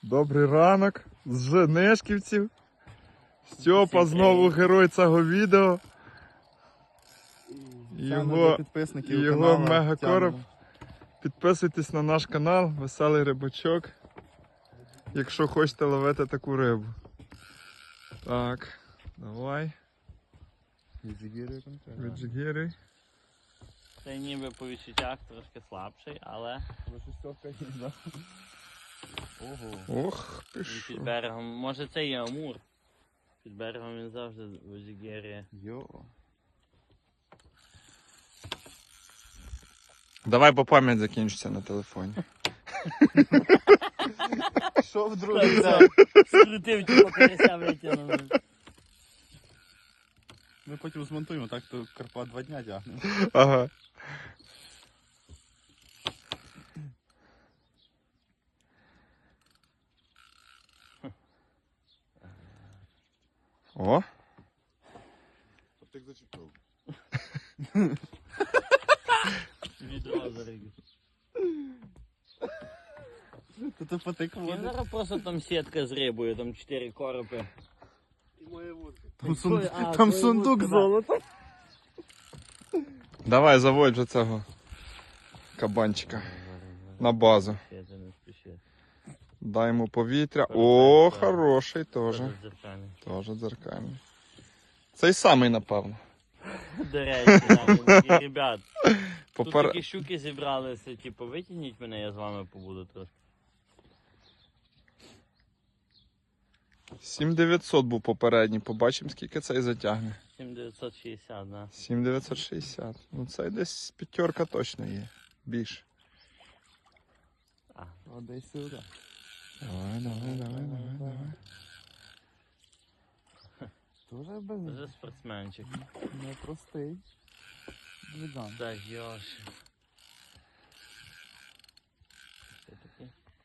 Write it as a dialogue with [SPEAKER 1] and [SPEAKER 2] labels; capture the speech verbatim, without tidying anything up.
[SPEAKER 1] Добрий ранок з Женешківців. Стьопа знову герой цього відео. Його, його мегакороб. Підписуйтесь на наш канал, Веселий Рибачок, якщо хочете ловити таку рибу. Так, давай. Віджигіруй.
[SPEAKER 2] Це ніби по відчуттях трошки слабший, але
[SPEAKER 1] Ого. Ох,
[SPEAKER 2] він
[SPEAKER 1] пішов.
[SPEAKER 2] під берегом, може це і амур. Під берегом він завжди віджигірує.
[SPEAKER 3] Йо.
[SPEAKER 1] Давай, бо пам'ять закінчиться на телефоні.
[SPEAKER 3] Що в другий?
[SPEAKER 2] Скрутив, типу, карася витягнув.
[SPEAKER 3] Ми потім змонтуємо, так то Карпа два дня тягне.
[SPEAKER 1] Ага. О,
[SPEAKER 4] Так зачепив.
[SPEAKER 2] Відро заригів.
[SPEAKER 3] То ти потик
[SPEAKER 2] Він
[SPEAKER 3] води.
[SPEAKER 2] зараз просто там сітка з рибою, там чотири коропи.
[SPEAKER 3] Там, сун...
[SPEAKER 2] А,
[SPEAKER 3] там
[SPEAKER 2] твоя
[SPEAKER 3] сундук
[SPEAKER 2] вудка, да.
[SPEAKER 3] золота.
[SPEAKER 1] давай заводь вже цього кабанчика на базу.
[SPEAKER 2] Ще це не спіши.
[SPEAKER 1] Дай йому повітря. О,
[SPEAKER 2] Так.
[SPEAKER 1] хороший теж.
[SPEAKER 2] Тоже дзеркальний.
[SPEAKER 1] Теж дзеркальний. Цей самий, напевно.
[SPEAKER 2] До речі, там, такі, ребят, тут
[SPEAKER 1] Попер...
[SPEAKER 2] такі щуки зібралися, типу, витягніть мене, я з вами побуду трошки.
[SPEAKER 1] сім дев'ятсот був попередній. Побачимо, скільки цей затягне.
[SPEAKER 2] сім дев'ятсот шістдесят, да.
[SPEAKER 1] сім дев'ятсот шістдесят. Ну цей десь п'ятерка точно є. Більше.
[SPEAKER 2] А,
[SPEAKER 3] О, десь сюди.
[SPEAKER 1] Давай, давай, давай, давай, давай.
[SPEAKER 3] Дуже без...
[SPEAKER 2] вже спортсменчик.
[SPEAKER 3] непростий. Двиган.
[SPEAKER 2] Так, Йоші.